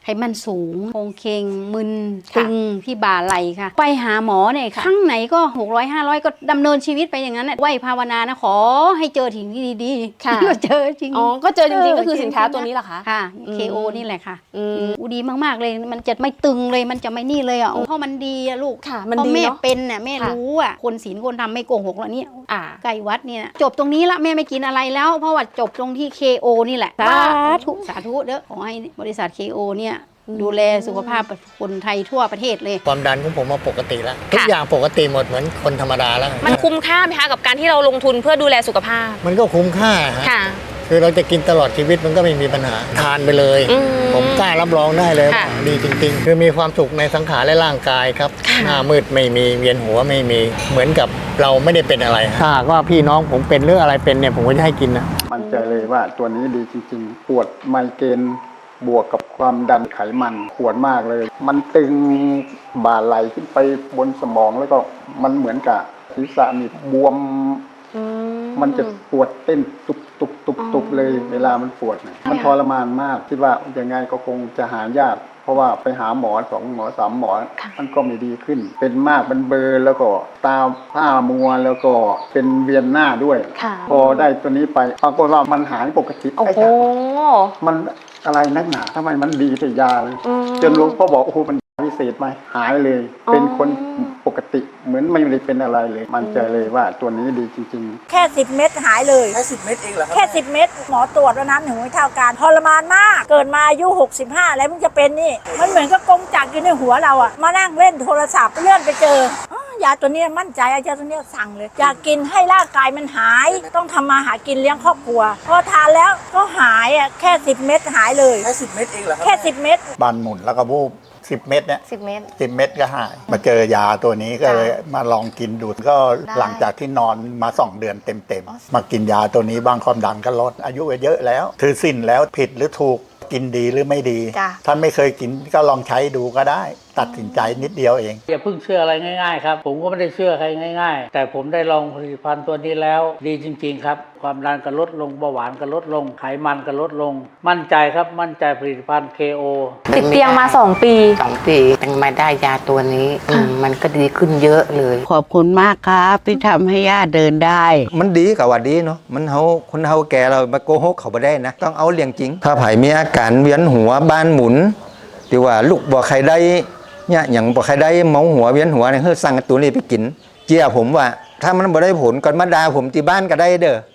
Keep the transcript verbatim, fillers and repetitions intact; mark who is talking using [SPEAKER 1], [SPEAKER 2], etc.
[SPEAKER 1] ไขมันสูงโครงเคงมึนตึงที่บ่าไหล่ค่ะไปหาหมอเนี่ยครั้งไหนก็หกร้อยห้าร้อยก็ดำเนินชีวิตไปอย่างนั้นไหวภาวนานะขอให้เจอถึงที่ดีๆก็เจอจริง
[SPEAKER 2] อ๋อก็เจอจริงๆก็คือสินค้าตัวนี้เหรอคะ
[SPEAKER 1] ค่ะ เค โอ นี่แหละค่ะอูดีมากๆเลยมันจะไม่ตึงเลยมันจะไม่นี่เลยอ่ะเพราะมันดีอะลูกเพราะแม่เป็นน่ะแม่รู้อ่ะคนศีลคนทำไม่โกหกแล้วเนี่ยใกล้วัดเนี่ยจบตรงนี้ละแม่ไม่กินอะไรแล้วเพราะว่าจบตรงที่ เค โอ นี่แหละสาธุสาธุเด้อขอให้บริษัท เค โอ เนี่ยดูแลสุขภาพคนไทยทั่วประเทศเลย
[SPEAKER 3] ความดันของผมมาปกติแล้วทุกอย่างปกติหมดเหมือนคนธรรมดาแล้ว
[SPEAKER 2] มันคุ้มค่าไหมคะกับการที่เราลงทุนเพื่อดูแลสุขภาพ
[SPEAKER 3] มันก็คุ้มค่าฮะคือเราจะกินตลอดชีวิตมันก็ไม่มีปัญหาทานไปเลยผมกล้ารับรองได้เลยดีจริงๆคือมีความสุขในสังขารและร่างกายครับหน้ามืดไม่มีเวียนหัวไม่มีเหมือนกับเราไม่ได้เป็นอะไรถ้าก็พี่น้องผมเป็นเรื่องอะไรเป็นเนี่ยผมก็จะให้กินนะ
[SPEAKER 4] มั่นใจเลยว่าตัวนี้ดีจริงๆปวดไมเกรนบวกกับความดันไขมันปวดมากเลยมันตึงบ่าไหลขึ้นไปบนสมองแล้วก็มันเหมือนกับศีรษะนี่บวมมันจะปวดเต้นตุบตุบตุบตุบเลยเวลามันปวดเนี่ยมันทรมานมากคิดว่ายังไงก็คงจะหายากเพราะว่าไปหาหมอสองหมอสามหมอมันก็ไม่ดีขึ้นเป็นมากเป็นเบลอแล้วก็ตาผ้ามัวแล้วก็เป็นเวียนหน้าด้วยพอได้ตัวนี้ไปปรากฏว่ามันหายปกติไอ้ค่ะมันอะไรนักหนาทำไมมันดีแต่ยาเลยจนหลวงพ่อบอกโอ้โหมันพิเศษไหมหายเลยเป็นคนปกติเหมือนไม่ได้เป็นอะไรเลยมั่นใจเลยว่าตัวนี้ดีจริงๆ
[SPEAKER 5] แค่สิบเม็ดหายเลย
[SPEAKER 4] แค่สิบเม็ดเองเหรอครับ
[SPEAKER 5] แค่สิบเม็ดหมอตรวจแล้วน้ำหนึ่งไม่เท่ากันทรมานมากเกิดมาอายุหกสิบห้าแล้วมึงจะเป็นนี่มันเหมือนกับกงจักรอยู่ในหัวเราอะมานั่งเล่นโทรศัพท์เลื่อนไปเจอยาตัวนี้มั่นใจยาตัวนี้สั่งเลยอยากกินให้ร่างกายมันหายต้องทำมาหากินเลี้ยงครอบครัวพอทานแล้วก็หายอ่ะแค่สิบเม็ดหายเลย
[SPEAKER 4] แค่สิบเม็ดเองเหรอครับ
[SPEAKER 5] แค่สิบเม็ด
[SPEAKER 6] บานหมุนแล้วก็วูบสิบเม็ดเนี่ย
[SPEAKER 2] สิบเม็ด
[SPEAKER 6] สิบเม็ดก็หายมาเจอยาตัวนี้ก็เลยมาลองกินดูก็หลังจากที่นอนมาสองเดือนเต็มๆมากินยาตัวนี้บางความดันก็ลดอายุก็เยอะแล้วถือสิ้นแล้วผิดหรือถูกกินดีหรือไม่ดีท่านไม่เคยกินก็ลองใช้ดูก็ได้ตัดสินใจนิดเดียวเอง
[SPEAKER 7] อย่าเพิ่งเชื่ออะไรง่ายๆครับผมก็ไม่ได้เชื่อใครง่ายๆแต่ผมได้ลองผลิตภัณฑ์ตัวนี้แล้วดีจริงๆครับความดันก็ลดลงเบาหวานก็ลดลงไขมันก็ลดลงมั่นใจครับมั่นใจผลิตภัณฑ์ เค โอ
[SPEAKER 2] ติดเตียงมาสองปี
[SPEAKER 8] สองปีตั้งมาได้ยาตัวนี้มันก็ดีขึ้นเยอะเลย
[SPEAKER 9] ขอบคุณมากครับที่ทำให้ย่าเดินได้
[SPEAKER 10] มันดีกับว่าดีเนาะมันเฮาคนเฮาแก่เรามาโกหกเขาไม่ได้นะต้องเอาเรื่องจริงถ้าไผ่มีอาการเวียนหัวบ้านหมุนที่ว่าลูกบ่ใครได้เนี่ยอย่างบ่ใครได้เมาหัวเวียนหัวเนี่ยเฮ้ยสั่งตัวนี้ไปกินเจียผมว่าถ้ามันบ่ได้ผลก่อนมาด่าผมที่บ้านก็ได้เด้อ